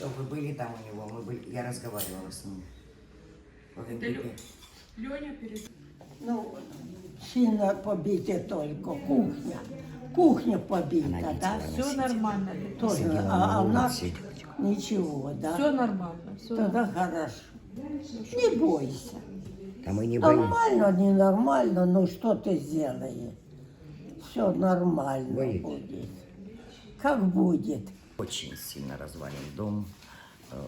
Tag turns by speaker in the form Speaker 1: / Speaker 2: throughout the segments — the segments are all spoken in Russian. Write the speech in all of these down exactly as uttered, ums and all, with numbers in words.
Speaker 1: Вы были там у него, мы были, я разговаривала с ним.
Speaker 2: Это Лё- Леня перед...
Speaker 3: Ну, сильно побита только кухня. Кухня побита, да?
Speaker 2: Все нормально.
Speaker 3: Тоже,
Speaker 1: Сидела
Speaker 3: а,
Speaker 1: на
Speaker 3: а у
Speaker 1: улице.
Speaker 3: нас ничего, да?
Speaker 2: Все нормально. Все
Speaker 3: Тогда хорошо. Не бойся.
Speaker 1: А мы не боимся.
Speaker 3: Нормально, ненормально, но что ты сделаешь? Все нормально
Speaker 1: Боитесь?
Speaker 3: будет. Как будет.
Speaker 1: Очень сильно развален дом. э,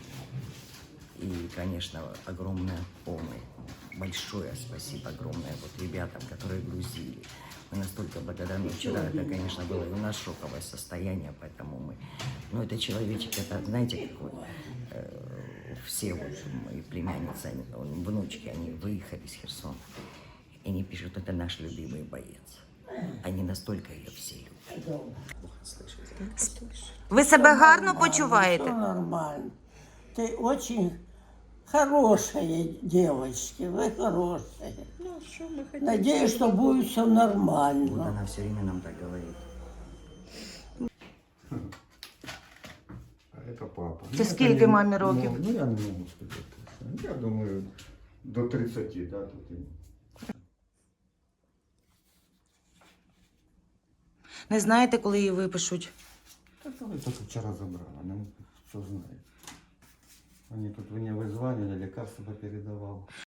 Speaker 1: И, конечно, огромная помощь. Большое спасибо огромное вот ребятам, которые грузили. Мы настолько благодарны. Вчера это, конечно, было и у нас шоковое состояние, поэтому мы... Ну, это человечек, это, знаете, какой... э, Все вот мои племянницы, они, он, внучки, они выехали из Херсона. И они пишут, это наш любимый боец. Они настолько ее все любят.
Speaker 4: Ви себе гарно
Speaker 3: Все
Speaker 4: почуваєте?
Speaker 3: нормально. Ты очень хорошая девочка, вы хорошие.
Speaker 2: Ну, что мы хотим?
Speaker 3: Надеюсь, что будет все
Speaker 1: Вот
Speaker 3: нормально.
Speaker 1: она все время нам так говорит.
Speaker 5: А это папа.
Speaker 4: Це скільки
Speaker 5: это не-
Speaker 4: мамі років?
Speaker 5: Ну, ну, я не можу сказати. Я думаю, до тридцяти, да, тут. і-
Speaker 4: Не знаєте, коли її випишуть?
Speaker 5: Та коли тільки вчора забрала, ну, хто знає. Вони тут мене визвали, лекарства передавав.